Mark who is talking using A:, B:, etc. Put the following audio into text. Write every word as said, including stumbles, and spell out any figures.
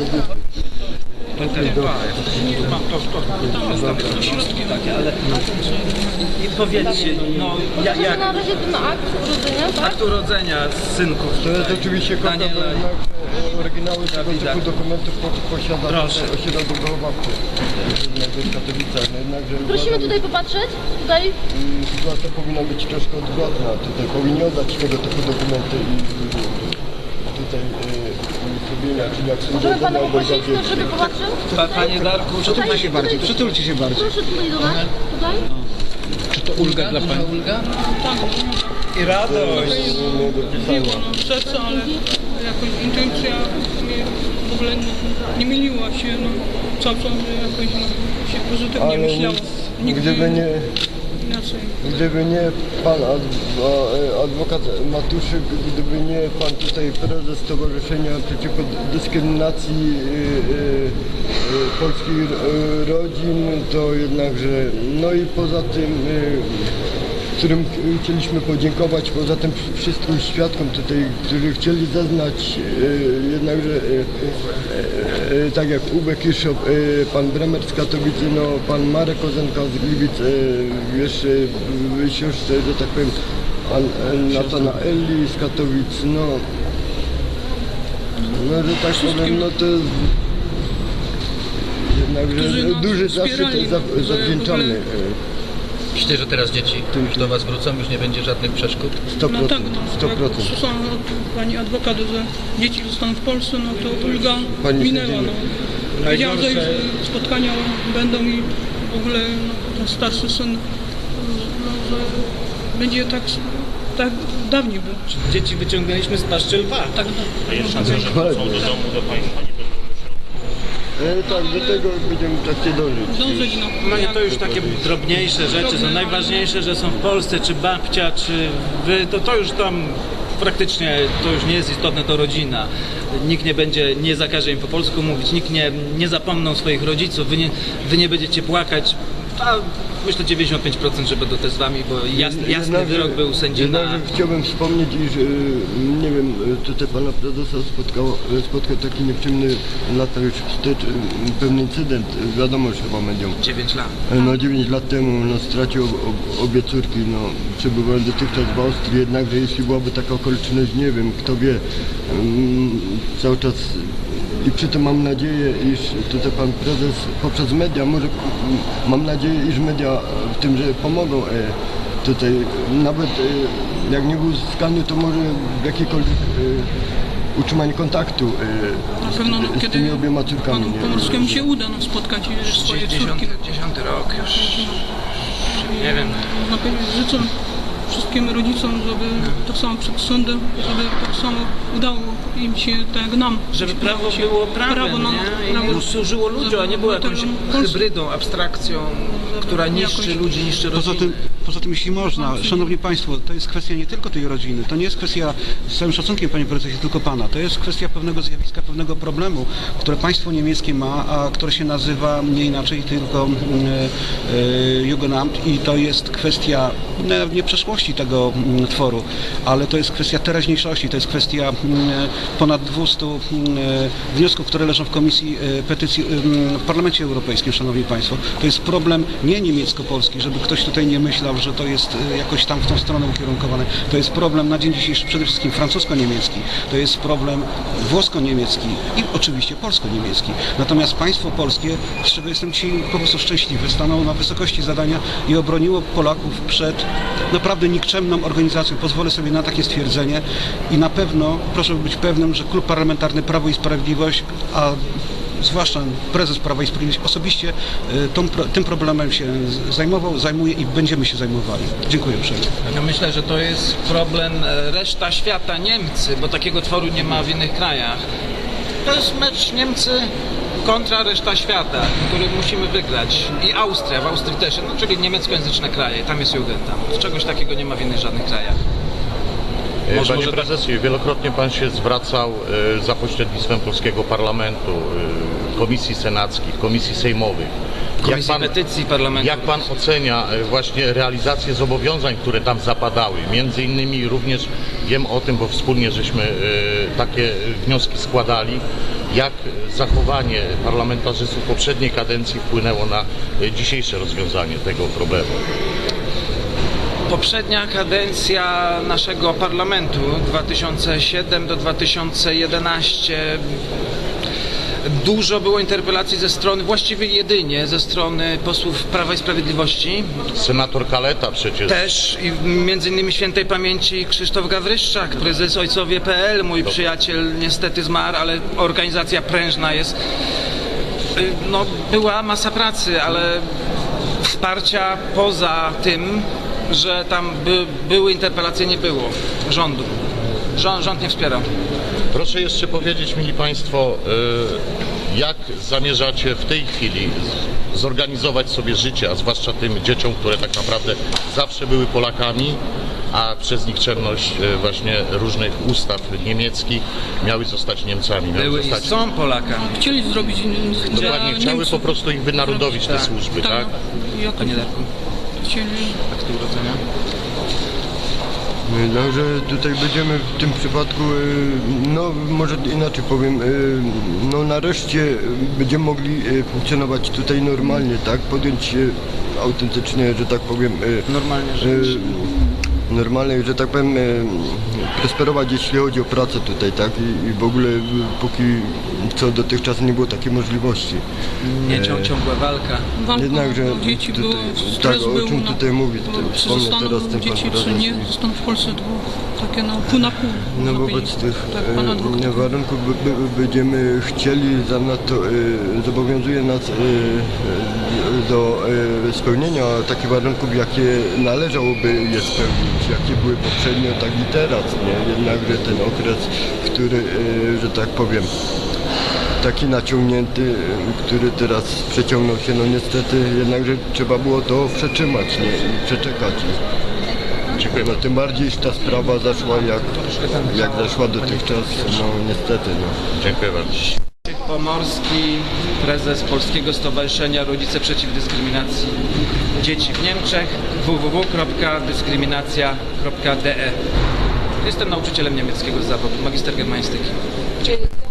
A: To też dwa, tu mam to, to, to, to środki takie, ale i powiedzcie, no jak...
B: jak... na razie ten akt urodzenia, tak?
A: Akt urodzenia synków.
C: To jest oczywiście kopia, bo jednak oryginały tego typu dokumentów posiada, posiada wychowawcy w Katowicach. No jednakże
B: prosimy tutaj popatrzeć, tutaj.
C: Sytuacja powinna być troszkę odwrotna, tutaj powinni oddać tego typu dokumenty i tutaj zrobienia, czyli jak są
B: możemy pana poprosić, żeby popatrzył?
A: Pa, panie Darku,
D: przytulcie się bardziej, przytulcie się bardziej.
B: Proszę tutaj do nas, tutaj.
D: Czy to ulga dla pani?
A: Ulga? I radość.
E: Miło, no serce, ale jakoś intuicja mnie w ogóle nie, nie myliła się, no cały czas jakoś no, się pozytywnie
C: ale
E: myślało. Nigdy
C: gdyby nie,
E: inaczej.
C: gdyby nie pan adwokat Matuszyk, gdyby nie pan tutaj prezes Stowarzyszenia Przeciwko Dyskryminacji yy, yy, Polskich Rodzin, to jednakże, no i poza tym yy, którym chcieliśmy podziękować, poza tym wszystkim świadkom tutaj, którzy chcieli zeznać, e, jednakże e, e, tak jak Uwe Kiszop, e, pan Bremer z Katowic, no, pan Marek Kozenka z Gliwic, e, jeszcze w siostrze, że tak powiem, pan Natanaeli z Katowic, no, no że tak powiem, no to jest jednakże duży zaszczyt zawdzięczamy.
F: Myślę, że teraz dzieci już do was wrócą, już nie będzie żadnych przeszkód?
C: sto procent.
E: No tak, no,
C: sto procent.
E: jak słyszałam od pani adwokat, że dzieci zostaną w Polsce, no to ulga
C: Pani
E: minęła.
C: sędziny.
E: No. Wiedziałam, że spotkania będą i w ogóle no, ten starszy syn, no, że będzie tak, tak dawniej był.
A: Dzieci wyciągnęliśmy z paszczy lwa.
E: Tak,
G: A jest szansa, że wrócą do domu do państwa, nie będą
C: E, tak, do tego będziemy w trakcie dążyć.
E: dążyć no.
A: No i to już takie drobniejsze rzeczy są najważniejsze, że są w Polsce, czy babcia, czy wy, to, to już tam praktycznie to już nie jest istotne, to rodzina. Nikt nie będzie, nie zakaże im po polsku mówić, nikt nie, nie zapomną swoich rodziców, wy nie, wy nie będziecie płakać. A myślę dziewięćdziesiąt pięć procent, że będą też z wami, bo jasny, jasny
C: Jednakże-
A: wyrok był sędzi na...
C: jednakże chciałbym wspomnieć, iż y, nie wiem, tutaj pana prezesa spotkał, spotkał taki nieprzyjemny lata już wstecz, y, pewny incydent, wiadomo, że chyba medium.
A: dziewięć lat.
C: No dziewięć lat temu no, stracił ob, ob, obie córki, no przebywałem dotychczas w Austrii, jednakże jeśli byłaby taka okoliczność, nie wiem, kto wie, mm, cały czas i przy tym mam nadzieję, iż tutaj pan prezes poprzez media, może mam nadzieję, iż media w tym, że pomogą e, tutaj, nawet e, jak nie był uzyskany, to może w jakiejkolwiek e, utrzymanie kontaktu e,
E: Na pewno no,
C: z, z
E: kiedy
C: tymi obiema córkami.
E: panu Pomorskiemu się uda no, spotkać swoje córki.
A: dziesiąty rok już. Nie wiem.
E: Można powiedzieć, życzę wszystkim rodzicom, żeby tak samo przed sądem, żeby tak samo udało im się, tak jak nam.
A: Żeby prawo było prawem,
E: prawo, no,
A: nie? I
E: prawo
A: służyło ludziom, a nie było jakąś hybrydą, abstrakcją, która niszczy ludzi, niszczy rodziny.
D: Poza tym, poza tym, jeśli można, szanowni państwo, to jest kwestia nie tylko tej rodziny, to nie jest kwestia, z całym szacunkiem panie prezesie, tylko pana, to jest kwestia pewnego zjawiska, pewnego problemu, które państwo niemieckie ma, a które się nazywa nie inaczej, tylko e, e, Jugendamt i to jest kwestia no, nie przeszłości tego m, tworu, ale to jest kwestia teraźniejszości, to jest kwestia m, ponad dwustu m, wniosków, które leżą w Komisji e, Petycji m, w Parlamencie Europejskim, szanowni państwo. To jest problem nie niemiecko-polski, żeby ktoś tutaj nie myślał, że to jest e, jakoś tam w tą stronę ukierunkowane. To jest problem na dzień dzisiejszy przede wszystkim francusko-niemiecki, to jest problem włosko-niemiecki i oczywiście polsko-niemiecki. Natomiast państwo polskie, z czego jestem ci po prostu szczęśliwy, stanęło na wysokości zadania i obroniło Polaków przed naprawdę nikczemną organizacją. Pozwolę sobie na takie stwierdzenie i na pewno proszę być pewnym, że Klub Parlamentarny Prawo i Sprawiedliwość, a zwłaszcza prezes Prawa i Sprawiedliwości osobiście tą, tym problemem się zajmował, zajmuje i będziemy się zajmowali. Dziękuję uprzejmie.
A: Ja myślę, że to jest problem reszta świata, Niemcy, bo takiego tworu nie ma w innych krajach. To jest mecz Niemcy kontra reszta świata, który musimy wygrać. I Austria, w Austrii też, no, czyli niemieckojęzyczne kraje, tam jest Jugendamt. Czegoś takiego nie ma w innych żadnych krajach.
G: Może, Panie prezesie, wielokrotnie pan się zwracał y, za pośrednictwem polskiego parlamentu. Y, komisji senackich, komisji sejmowych.
A: Komisji Petycji Parlamentu.
G: Jak pan ocenia e, właśnie realizację zobowiązań, które tam zapadały? Między innymi również wiem o tym, bo wspólnie żeśmy e, takie wnioski składali, jak zachowanie parlamentarzystów poprzedniej kadencji wpłynęło na e, dzisiejsze rozwiązanie tego problemu.
A: Poprzednia kadencja naszego parlamentu dwa tysiące siódmy do dwa tysiące jedenastego dużo było interpelacji ze strony, właściwie jedynie ze strony posłów Prawa i Sprawiedliwości.
G: Senator Kaleta przecież.
A: Też i między innymi świętej pamięci Krzysztof Gawryszczak, prezes ojcowie kropka pe el, mój przyjaciel niestety zmarł, ale organizacja prężna jest. No, była masa pracy, ale wsparcia poza tym, że tam by, były interpelacje, nie było rządu. Rząd, rząd nie wspierał.
G: Proszę jeszcze powiedzieć, mili Państwo, y, jak zamierzacie w tej chwili z- zorganizować sobie życie, a zwłaszcza tym dzieciom, które tak naprawdę zawsze były Polakami, a przez nikczemność y, właśnie różnych ustaw niemieckich miały zostać Niemcami. Miały
A: Były i
G: zostać,
A: są Polakami.
E: Chcieli zrobić in- dla
G: dokładnie, chciały
E: Niemców.
G: po prostu ich wynarodowić te
A: Tak.
G: służby, tak?
E: Jakoś
A: Panie Darku,
E: chcieli.
A: aktu urodzenia.
C: Także tutaj będziemy w tym przypadku, y, no może inaczej powiem, y, no nareszcie będziemy mogli y, funkcjonować tutaj normalnie, tak? Podjąć y, autentycznie, że tak powiem, y,
A: Normalnie
C: y,
A: żyć.
C: normalnie, że tak powiem, y, prosperować, jeśli chodzi o pracę tutaj, tak? I, i w ogóle y, póki co dotychczas nie było takiej możliwości.
A: Nie cią, ciągła walka.
E: Walka
C: Jednakże
E: o dzieci
C: tutaj-
E: było,
C: tak,
E: stres
C: o
E: był
C: czym
E: na-
C: tutaj mówię,
E: bo
C: tutaj
E: czy
C: wspomnę
E: zostaną
C: teraz ten
E: dzieci,
C: pan
E: czy
C: prezes.
E: nie, zostaną w Polsce było takie na pół na pół.
C: No
E: można
C: wobec
E: powiedzieć.
C: tych
E: tak, pana dwóch
C: e, warunków by, by, będziemy chcieli, zanadto e, zobowiązuje nas e, e, do e, spełnienia takich warunków, jakie należałoby je spełnić, jakie były poprzednio, tak i teraz, nie? Jednakże ten okres, który, e, że tak powiem, taki naciągnięty, e, który teraz przeciągnął się, no niestety, jednakże trzeba było to przetrzymać, nie? I przeczekać.
G: Dziękuję
C: No
G: bardzo.
C: tym bardziej ta sprawa zaszła jak, jak zaszła dotychczas, no niestety, no.
G: Dziękuję bardzo.
A: Pomorski, prezes Polskiego Stowarzyszenia Rodzice Przeciw Dyskryminacji Dzieci w Niemczech, w w w kropka dyskryminacja kropka de. Jestem nauczycielem niemieckiego z zawodu, magister germanistyki.